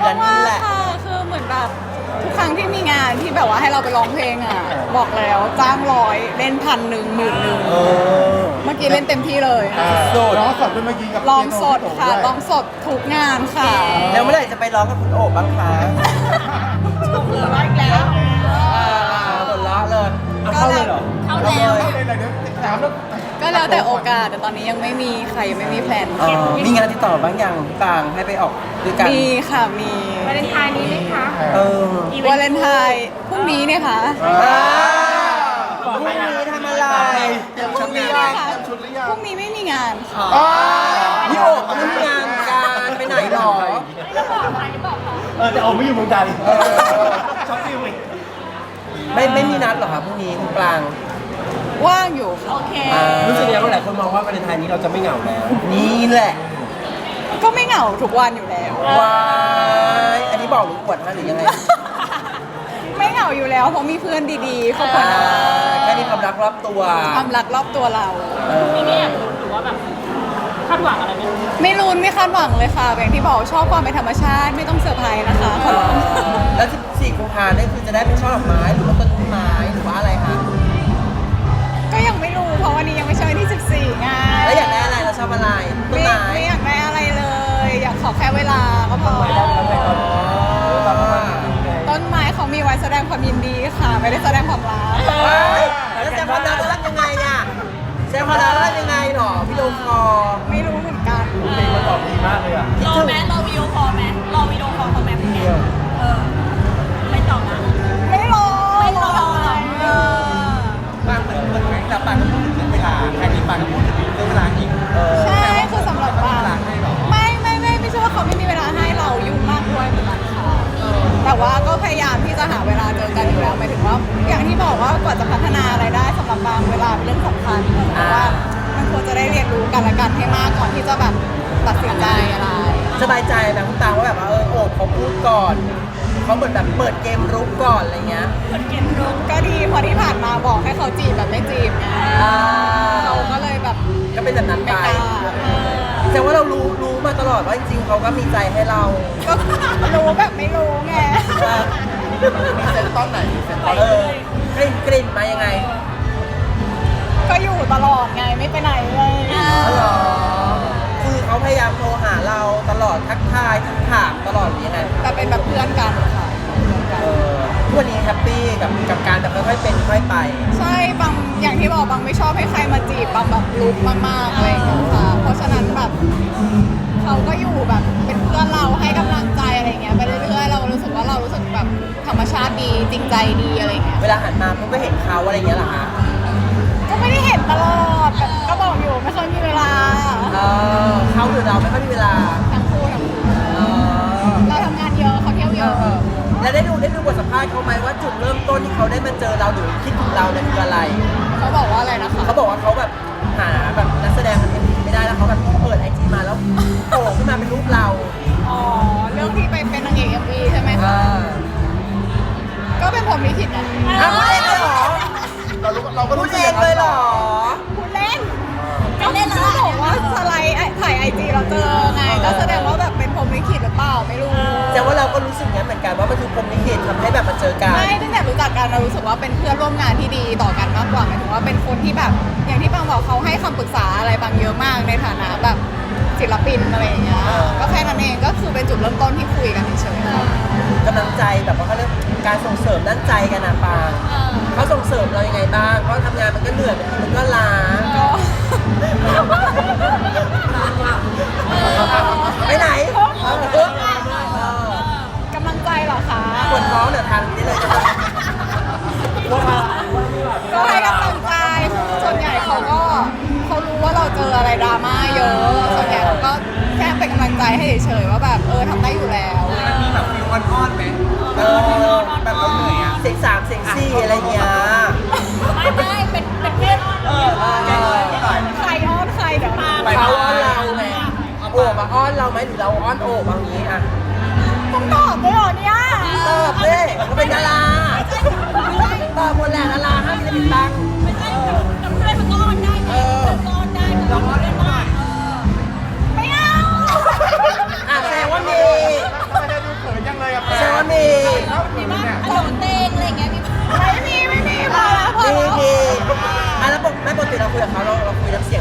กันนี่แหละค่ะคือเหมือนแบบทุกครั้งที่มีงานที่แบบว่าให้เราไปร้องเพลงอ่ะบอกแล้วจ้าง100เล่น1,000 10,000 เมื่อกี้เล่นเต็มที่เลยร้องสดด้วยเมื่อกี้กับร้องสดค่ะเปียโนร้องสดทุกงานค่ะแล้วเมื่อไหร่จะไปร้องกับคุณโอบบ้างคะเหลือร้อยแล้วหมดละเลยเอาเข้าเลยเหรอเข้าแล้วเอาเลยเดี๋ยวถามแล้วก็แล้วแต่โอกาสแต่ตอนนี้ยังไม่มีใครยังไม่มีแพลนมีงานติดต่อบ้างยังปางให้ไปออกด้วยกันมีค่ะมีวาเลนไทน์นี้ไหมคะเออวาเลนไทน์พรุ่งนี้เนี่ยค่ะพรุ่งนี้ทำอะไรพรุ่งนี้พรุ่งนี้ไม่มีงานค่ะพี่โอบเขาทำงานการไปไหนหรอแต่เอาไม่อยู่เมืองไทยช็อปฟิวอีกไม่มีนัดหรอครับพรุ่งนี้คุณปรางว่างอยู่ค่ะโอเครู้สึกยังไงหลายคนมองว่าวาเลนไทน์นี้เราจะไม่เหงาแล้ว นี่แหละก็ไม่เหงาทุกวันอยู่แล้วว้ายอันนี้บอกหรืออวดฮะหรือยังไงไม่เหงาอยู่แล้วเพราะมีเพื่อนดีๆครอบครัวน่ารักแค่มีความรักรอบตัวความรักรอบตัวเรามีไม่อยากรู้หรือว่าแบบคาดหวังอะไรไหมไม่รุนไม่คาดหวังเลยค่ะอย่างที่บอกชอบความเป็นธรรมชาติไม่ต้องเซอร์ไพรส์นะคะขอร้องแล้ว 14 กุมภาพันธ์นี่คือจะได้เป็นช่อดอกไม้หรือว่าต้นไม้หรือว่าอะไรคะก็ยังไม่รู้เพราะวันนี้ยังไม่ใช่วันที่ 14ไงแล้วอยากได้อะไรเราชอบอะไรต้นไม้ไม่อยากได้อะไรเลย อยากขอแค่เวลาก็พอต้นไม้เขามีไว้แสดงความยินดีค่ะ ไม่ได้แสดงความรักแล้วแซมพอนัทรักยังไงอ่ะแซมพอนัทรักยังไงหรอพี่โดมคอไม่รู้เหมือนกันเพลงมันตอบดีมากเลยอ่ะรอไหมรอวิดีโอคอลไหมรอวิดีโอคอลเขาไหมพี่แกไม่ตอบนะไม่รอไม่รอเออปางเหมือนไงแต่ปางก็พูดถึงเวลาแค่นี้ปางก็พูดถึงเรื่องเวลาอีกใช่คือสำหรับปางไม่ใช่ว่าเขาไม่มีเวลาให้เรายุ่งมากด้วยเหมือนกันค่ะแต่ว่าก็พยายามที่จะหาเวลาเจอกันอยู่แล้วหมายถึงว่า อย่างที่บอกว่ากว่าจะพัฒนาอะไรได้สำหรับบางเวลาเป็นเรื่องสำคัญเพราะว่ามันควรจะได้เรียนรู้กันและกันให้มากก่อนที่จะแบบตัดสินใจอะไรสบายใจแบบคุณตาว่าแบบว่าโอบเขาพูดก่อนเขาเหมือนแบบเปิดเกมรุกก่อนอะไรเงี้ยก็ดีพอที่ผ่านมาบอกให้เขาจีบแบบไม่จีบไงเราก็เลยแบบก็เป็นแบบนั้นไม่ไปกล้าแต่ว่าเรารู้มาตลอดว่าจริงๆเขาก็มีใจให้เราก็รู้แบบไม่รู้ไงมีเซนตอนไหนมีเซนตอนกลิ่นมายังไงก็อยู่ตลอดไงไม่ไปไหนเลยเหรอคือเขาพยายามโทรหาเราตลอดทักทายทักถามตลอดหรือยังไงแต่เป็นแบบเพื่อนกันค่ะทุกวันนี้แฮปปี้กับการแบบค่อยๆเป็นค่อยๆไปใช่บางอย่างที่บอกบางไม่ชอบให้ใครมาจีบบางแบบลุกมากๆอะไรอย่างเงี้ยค่ะเพราะฉะนั้นแบบเขาก็อยู่แบบเป็นเพื่อนเราให้กำลังใจอะไรเงี้ยไปเรื่อยๆเรารู้สึกว่าเรารู้สึกแบบธรรมชาติดีจริงใจดีอะไรเงี้ยเวลาหันมาปุ๊บก็เห็นเขาอะไรอย่างเงี้ยเหรอคะก็ไม่ได้เห็นตลอดแบบก็บอกอยู่ไม่เคยมีเวลาเขาหรือเราไม่ค่อยมีเวลาทั้งคู่เราทำงานเยอะเขาเที่ยวเยอะแล้วได้ดูบทสัมภาษณ์เขาไหมว่าจุดเริ่มต้นที่เขาได้มาเจอเราหรือคิดถึงเราเนี่ยคืออะไรเขาบอกว่าอะไรนะคะเขาบอกว่าเขาแบบหาแบบนักแสดงมันไม่ได้แล้วเขาแบบเปิดไอจีมาแล้วโผล่ขึ้นมาเป็นรูปเราอ๋อเรื่องที่ไปเป็นนางเอก MV ใช่ไหมคะก็เป็นผมลิขิตนะพูดเองเลยเหรอเราก็พูรู้ดสึกเองเลยเหรอพูดเล่นก็เล่นแล้วบอกว่าสไลด์ถ่ายไอจีเราเจอไงก็แสดงว่าแบบเป็นผมลิขิตหรือเปล่าไม่รู้แต่ว่าเราก็รู้สึกงั้นเหมือนกันว่ามันคือพรหมลิขิตทำให้แบบมาเจอกันไม่ตั้งแต่รู้จักกันเรารู้สึกว่าเป็นเพื่อนร่วมงานที่ดีต่อกันมากกว่าหมายถึงว่าเป็นคนที่แบบอย่างที่บางบอกเขาให้คำปรึกษาอะไรบางเยอะมากในฐานะแบบศิลปินอะไรอย่างเงี้ยก็แค่นั้นเองก็คือเป็นจุดเริ่มต้นที่คุยกันเฉยๆกำลังใจแบบว่าเขาเรียกการส่งเสริมด้านใจกันนะปางเขาส่งเสริมเรายังไงบ้างเพราะทำงานมันก็เหนื่อยมันก็ล้าก็ไปไหนกำลังใจเหรอคะปวดท้องเดี๋ยวทานนี้เลยนะคะก็ให้กำลังใจส่วนใหญ่เขารู้ว่าเราเจออะไรดราม่าเยอะส่วนใหญ่เขาก็แค่เป็นกำลังใจให้เฉยๆว่าแบบทำได้อยู่แล้วมันมีแบบฟิลอ่อนๆไหมแบบเราเหนื่อยอ่ะเสียงสามเสียงสี่อะไรเงี้ยไม่เป็นเพื่อนใครอ้อนใครเดี๋ยวเขาอ้อนเราไงโอบมาอ้อนเราไหมหรือเราอ้อนโอบบางนี้อ่ะต้องตอบด้วยเหรอเนี่ยตอบเลยเขาเป็นดาราตอบหมดแหละดาราห้ามจะปิดตังค์ไม่ใช่กับเพื่อนมันก็ออนได้ไงก็ออนได้เราออนได้ไม่เอาแสดงว่ามีไม่ได้ดูเขิน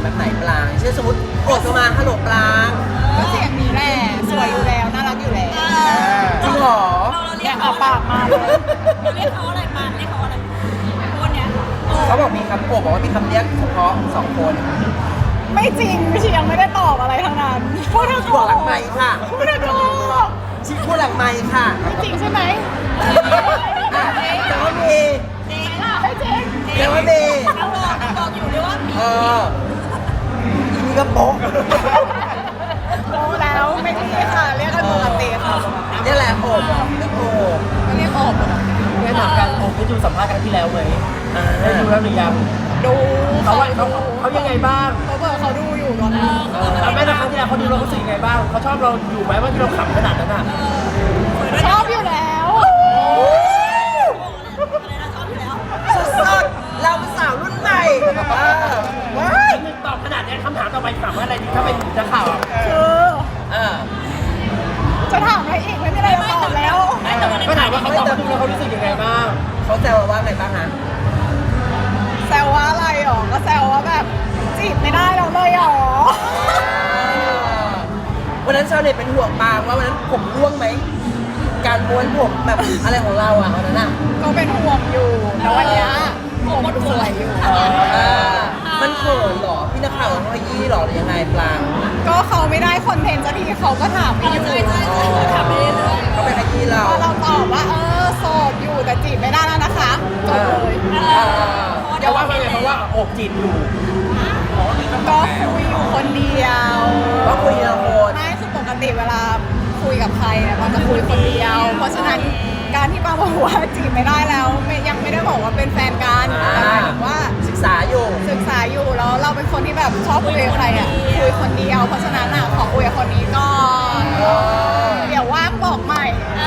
แบบไหนปลางเช่นสมมติโกรธมาฮัลโหลปลางก็เสียงนี้แหละสวยอยู่แล้วน่ารักอยู่แล้วจริงเหรอเราเรีเนี่ย ยกเอาเขาปากมาเลยเราเรียกเขาอะไรปานเรียกเขาอะไรคนเนี้ยเขาบอกมีคำโอบบอกว่ามีคำเรียกเฉพาะ2 คนไม่จริงไม่ใช่ยังไม่ได้ตอบอะไรทั้งนั้นพูดเถอะบอกหลังไมค์ค่ะพูดเถอะชิพูดหลังไมค์ค่ะไม่จริงใช่ไหมอ่ะแต่ว่ามีจริงไม่จริงแต่ว่ามีเขาบอกอยู่ด้วยว่ามีเอออีนี่ก็โป๊ะรู้แล้วไม่มีค่ะเรียกกันปกติค่ะนี่แหละโอบเรียกโอบไม่เรียกออกหรอกไม่ถามกันผมได้ดูสัมภาษณ์กันที่แล้วไหมได้ดูแล้วหรือยังดูเขายังไงบ้างเขาบอกเขาดูอยู่ตอนนี้แล้วแม่ตอนครั้งที่แล้วเขาดูเรารู้สึกยังไงบ้างเขาชอบเราอยู่ไหมว่าที่เราขำขนาดนั้นอ่ะชอบอยู่แล้วอะไรนะชอบอยู่แล้วสดๆเราเป็นสาวรุ่นใหม่ว้ายนึกตอบขนาดนี้คำถามต่อไปถามว่าอะไรดีถ้าเป็นนักข่าวอ่ะคือเออจะถามอะไรอีกไม่มีอะไรจะตอบแล้วก็ถามว่าเขาตอบมาดูแล้วเขารู้สึกยังไงบ้างเขาแซวว่าไงบ้างฮะแซวว่าอะไรหรอก็แซวว่าแบบจีบไม่ได้แล้วเลยหรอวันนั้นชาวเน็ตเป็นห่วงปางว่าวันนั้นผมร่วงไหม การม้วนผมแบบอะไรของเราอ่ะวันนั้นอ่ะก็เป็นห่วงอยู่แต่วันเนี้ยผมสวยอยู่มันเขินเหรอ พี่นักข่าวเขาขยี้เหรอหรือยังไงปลางก็เขาไม่ได้คอนเทนต์สักทีเขาก็ถามไม่อยู่ใช่ถามไปเรื่อยเขาไปขยี้เราพอเราตอบว่าโสดอยู่แต่จีบไม่ได้แล้วนะคะจบเลยเพราะว่าไงเพราะว่าโอบจีบอยู่ก็คุยอยู่คนเดียวว่าคุยทีละคนไม่คือปกติเวลาคุยกับใครเนี่ยมันจะคุยคนเดียว เพราะฉะนั้นการที่ป้าบอกว่าจีบไม่ได้แล้วยังไม่ได้บอกว่าเป็นแฟนกันแต่หมายถึงว่าศึกษาอยู่ศึกษาอยู่แล้วเราเป็นคนที่แบบชอบคุยกับใครอ่ะคุยคนเดียว เพราะฉะนั้นอ่ะขอคุยกับคนนี้ก่อนเดี๋ยวว่างบอกใหม่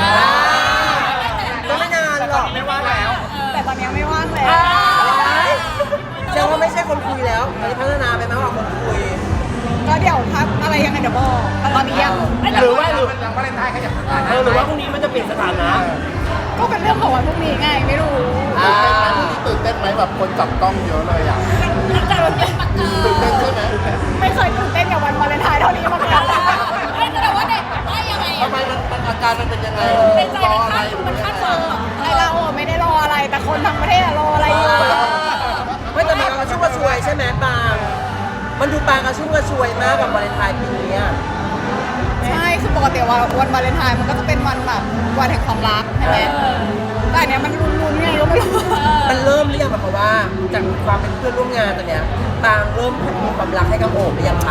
ก็ไม่นานหรอกไม่ว่าแล้วแต่ตอนนี้ไม่ว่างแล้วแสดงว่าไม่ใช่คนคุยแล้วตอนนี้พัฒนาไปมากกว่าคนคุยก็เดี๋ยวทักอะไรยังไงเดี๋ยวบอกแต่ตอนนี้ยังหรือว่าหรือหรือว่าพรุ่งนี้มันจะเปลี่ยนสถานะก็เป็นเรื่องของวันพรุ่งนี้ไงไม่รู้ตื่นเต้นไหมแบบคนจับกล้องเยอะเลยอ่ะๆแต่วันนี้มันตื่นเต้นใช่ไหมไม่เคยตื่นเต้นกับวันวาเลนไทน์เท่านี้มาก่อนไม่แสดงว่าเด็กว่ายังไงทำไมมันอาการมันเป็นยังไงในใจมันคาดเคิร์มไอเราอะไม่ได้รออะไรแต่คนทั้งประเทศอะรออะไรอยู่ไม่แต่มีการกระชุ่มกระชวยใช่ไหมปางมันดูปางกระชุ่มกระชวยมากกับวาเลนไทน์ปีนี้อะใช่คือปกติวันวาเลนไทน์มันก็จะเป็นวันแบบวันแห่งความรักใช่ไหมแต่อันเนี้ยมันรุนๆไงก็ไม่รู้มันเริ่มหรือยังแบบว่าจากความเป็นเพื่อนร่วมงานตอนเนี้ยปางเริ่มมีความรักให้กับโอบหรือยังคะ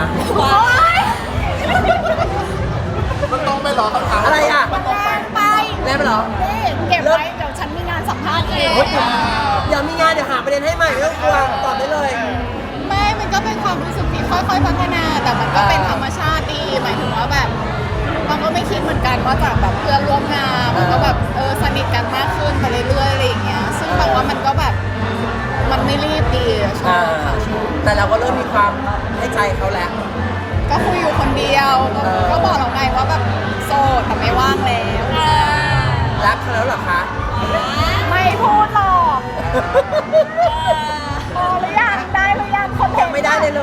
มันต้องไม่หรอคำถามอะไรอ่ะมันแรงไปแรงไปเหรอนี่เก็บไว้เดี๋ยวฉันมีงานสัมภาษณ์เองเดี๋ยวมีงานเดี๋ยวหาประเด็นให้ใหม่ไม่ต้องกลัวตอบได้เลยไม่มันก็เป็นความรู้สึกที่ค่อยๆพัฒนา แต่มันก็เป็นธรรมชาติดีหมายถึงว่าแบบมันก็ไม่คิดเหมือนกันว่าจากแบบเพื่อนร่วมงานมันก็แบบสนิทกันมากขึ้นไปเรื่อยๆอะไรอย่างเงี้ยซึ่งแบบว่ามันก็แบบมันไม่รีบดีอะชอบค่ะชอบแต่เราก็เริ่มมีความให้ใจเขาแล้วก็คุยอยู่คนเดียวก็บอกเราไงว่าแบบโสดแต่ไม่ว่างแล้วรักเขาแล้วเหรอคะไม่พูดหรอกพอหรือยังได้หรือยังคนยังไม่ได้เลย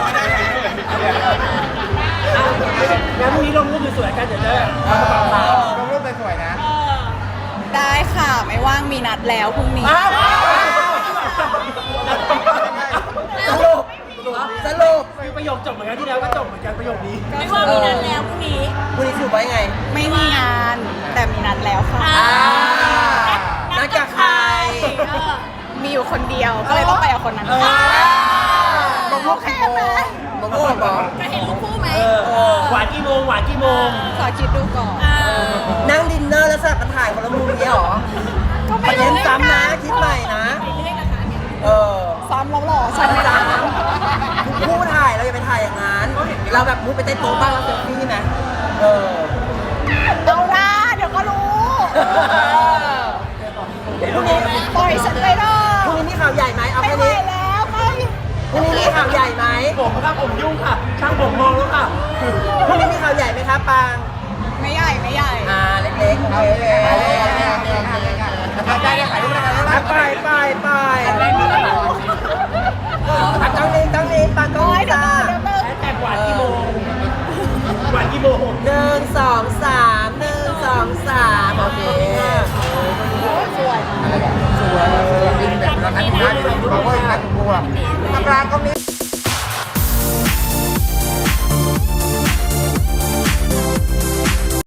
งั้นพรุ่งนี้ลงรูปสวยๆกันเดี๋ยวจะเอากระเป๋าขาวลงรูปสวยๆนะได้ค่ะไม่ว่างมีนัดแล้วพรุ่งนี้สรุปสรุปคือประโยคจบเหมือนกันที่แล้วก็จบเหมือนกันประโยคนี้ไม่ว่ามีนัดแล้วพรุ่งนี้คุณนี่สรุปไว้ไงไม่มีงานแต่มีนัดแล้วค่ะนัดกับใครมีอยู่คนเดียวก็เลยต้องไปกับคนนั้นบอกลูกกี่โมงบอกลูกบอกจะเห็นรูปคู่ไหมหวานกี่โมงหวานกี่โมงขอคิดดูก่อนนั่งดินเนอร์แล้วสลับกันถ่ายคนละมุมนี้หรอก็ไปไม่เน้รู้นซ้ำนะคิดใหม่นะ เออซ้ำแล้วหรอใช่ไหมซ้ำทุกคู่ถ่ายเราอย่าไปถ่ายอย่างนั้น เราแบบมุดไปใต้โต๊ะบ้างแล้วเซลฟี่ไหมเออเอาละเดี๋ยวก็รู้เดี๋ยวพรุ่งนี้ปล่อยฉันไปเถอะพรุ่งนี้มีข่าวใหญ่ไหมเอาไม่แค่ไหวนี้แล้วไปพรุ่งนี้มีข่าวใหญ่ไหมผมครับผมยุ่งค่ะ ช่างผมมองแล้วค่ะพรุ่งนี้มีข่าวใหญ่ไหมครับปางไม่ใหญ่ไม่ใหญ่เล็กๆโอเคได้ถ่ายรูปแล้วกันไปตั้งนี้ปางกล้องนี้ปางกล้องนี้ 1 2 3โอเคสวยอะไรแบบสวย